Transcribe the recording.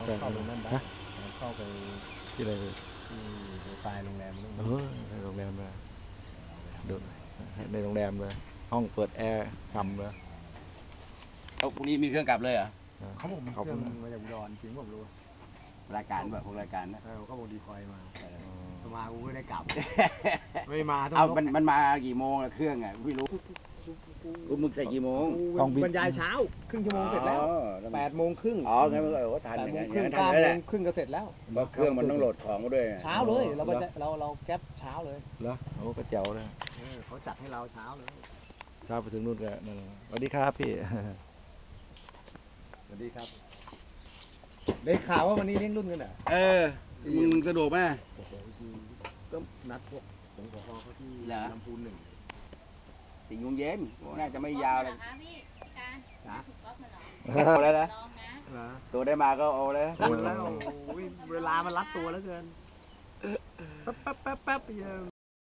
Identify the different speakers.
Speaker 1: เข้าไปนั่นได้เข้าไป
Speaker 2: ที่อะไรเลย
Speaker 1: ที่โปรไฟล์โรงแรมนู่น
Speaker 2: ในโรงแรมเลยดูในโรงแรมเลยห้องเปิดแอร์ฉ่ำเลย
Speaker 3: เอาพรุ่งนี้มีเครื่องกลับเลยเหรอ
Speaker 1: เขาบอกมีเครื่องมาจากอุดรจริงผมรู้
Speaker 3: รายการแบบพวกรายการนะ
Speaker 1: เขาบอกดีคอยมามากูไม่ได้กลับไม่มาต้อง
Speaker 3: เอามันมากี่โมงละเครื่องอ่ะไม่รู้กูมึงใส่กี่โมง
Speaker 1: บรรยายเช้าครึ่งชั่วโมงเสร็จแล้ว8:30
Speaker 3: อ๋องั้นมันก็ทัน
Speaker 1: 8
Speaker 3: อย่าง
Speaker 1: โม
Speaker 3: เงี้
Speaker 1: ง
Speaker 3: ย
Speaker 1: ครึ่ง
Speaker 3: ทัน
Speaker 1: 9
Speaker 3: แล้ว
Speaker 1: โม
Speaker 3: แหละ
Speaker 1: งครึ่งก็เสร็จแล้ว
Speaker 3: เพราะเครื่องมันต้องโหลดของมาด้วย
Speaker 1: เช้าเลยเราแก๊ปเช้าเลย
Speaker 2: เหรอโอ้ก็เจ๋วเลย
Speaker 1: เขาจัดให้เราเช้าเลย
Speaker 2: เช้าไปถึงนู่นก็นั่นสวัสดีครับพี่
Speaker 1: สวัสดีครับได้ข่าวว่าวันนี้เลี้ยงรุ่นกันเหรอ
Speaker 3: มึงสะดวกไหม
Speaker 1: โอ้โหก็นัดพวกผมขอเขาที่ลำพูน1
Speaker 3: 4 โมงเย็นน่าจะไม่ยาวเลย
Speaker 4: พี่การ
Speaker 1: นะ
Speaker 4: ถูกก๊อฟมาเหรอ
Speaker 3: เอาแล้วนะ
Speaker 4: ลองนะ
Speaker 3: ตัวได้มาก็เอาแล้ว
Speaker 1: คุณแล้วเวลามันรัดตัวแล้วเกินแป๊บ